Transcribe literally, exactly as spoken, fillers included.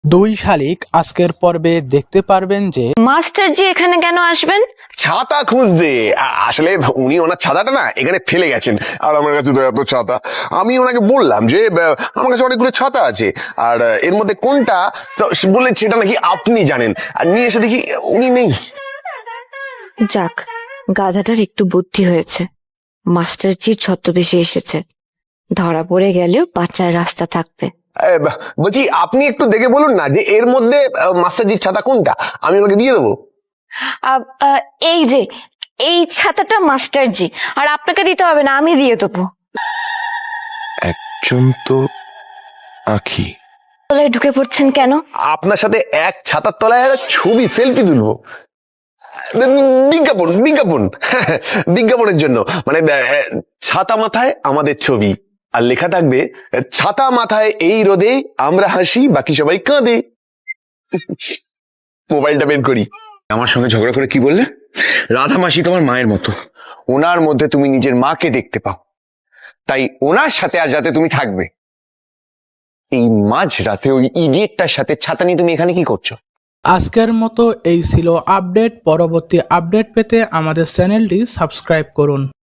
দুই শালিক আজকের পর্বে দেখতে পারবেন যে মাস্টার জি এখানে কেন আসবেন? ছাতা খুঁজতে। আ- আসলে উনি ওনার ছাতাটা না এখানে ফেলে গেছেন, আর আমার কাছে তো এত ছাতা। আমি ওনাকে বললাম যে আহ, আমার কাছে অনেকগুলো ছাতা আছে, আর আহ, এর মধ্যে কোনটা, তো সে বললেন সেটা নাকি আপনি জানেন। আর নিয়ে এসে দেখি উনি নেই। যাক, গাধাটার একটু বুদ্ধি হয়েছে। মাস্টার জি ছদ্মবেশে এসেছে, ধরা পড়ে গেলেও বাঁচার রাস্তা থাকবে। এ, বা- বলছি আপনি একটু দেখে বলুন না যে এর মধ্যে আহ, মাস্টারজির ছাতা কোনটা, আমি ওনাকে দিয়ে দেবো। আব, আহ, এই যে এই ছাতাটা মাস্টার জি, আর আপনাকে দিতে হবে না, আমি দিয়ে দেবো। একজন তো আঁখি। তলায় ঢুকে পড়ছেন কেন? আপনার সাথে এক ছাতার তলায় একটা ছবি সেলফি তুলবো। বিজ্ঞাপন বিজ্ঞাপন বিজ্ঞাপনের জন্য, মানে আহ, ছাতা মাথায় আমাদের ছবি, আর লেখা থাকবে ছাতা মাথায় এই রোদে আমরা হাসি বাকি সবাই কাঁদে। মোবাইলটা বের করি। আমার সঙ্গে ঝগড়া করে কি বললে? রাধা মাসি তোমার মায়ের মতো, ওনার মধ্যে তুমি নিজের মাকে দেখতে পাও, তাই ওনার সাথে আজ রাতে তুমি থাকবে। এই মাঝ রাতে ওই ইডিয়েটটার সাথে ছাতা নিয়ে তুমি এখানে কি করছো? আজকের মতো এই ছিল আপডেট। পরবর্তী আপডেট পেতে আমাদের চ্যানেলটি সাবস্ক্রাইব করুন।